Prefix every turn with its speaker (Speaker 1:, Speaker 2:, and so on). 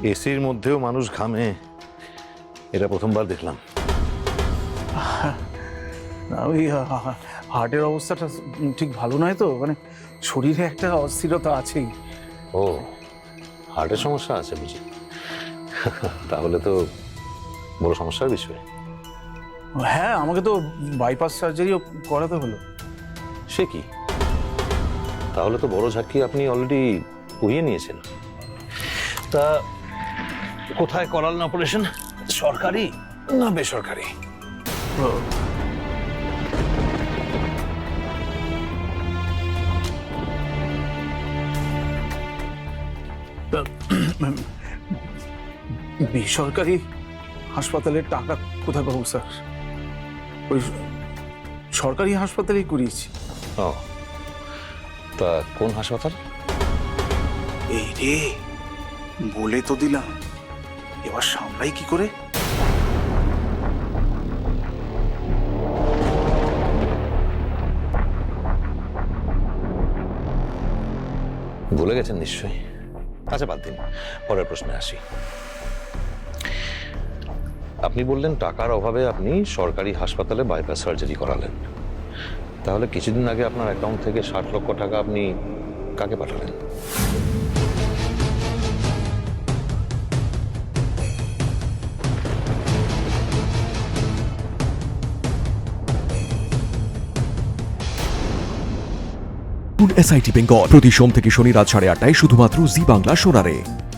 Speaker 1: এসির মধ্যেও মানুষ ঘামে, এটা প্রথমবার দেখলাম।
Speaker 2: ওই হার্টের অবস্থাটা ঠিক ভালো নয় তো, মানে শরীরে একটা অস্থিরতা আছেই।
Speaker 1: ও, হার্টের সমস্যা আছে বুঝি? তাহলে তো বড় সমস্যার বিষয়।
Speaker 2: হ্যাঁ, আমাকে তো বাইপাস সার্জারিও করাতে হলো।
Speaker 1: সে কি? তাহলে তো বড় ঝাঁকি আপনি অলরেডি উইয়ে নিয়েছেন। তা কোথায় করালেন অপারেশন? সরকারি না বেসরকারি?
Speaker 2: বেসরকারি হাসপাতালের টাকা কোথায় পাবো স্যার? ওই সরকারি হাসপাতালেই করিয়েছি।
Speaker 1: ও, তা কোন হাসপাতাল?
Speaker 2: এই রে, বলে তো দিলাম, এবার সামলাই কি করে?
Speaker 1: ভুলে গেছেন নিশ্চয়ই। আচ্ছা বাদ দিন, পরের প্রশ্নে আসি। আপনি বললেন টাকার অভাবে আপনি সরকারি হাসপাতালে বাইপাস সার্জারি করালেন। তাহলে কিছুদিন আগে আপনার অ্যাকাউন্ট থেকে 60 লক্ষ টাকা আপনি কাকে পাঠালেন?
Speaker 3: SIT বেঙ্গল প্রতি সোম থেকে শনি রাত 8:30টায় শুধুমাত্র জি বাংলা সোনারে।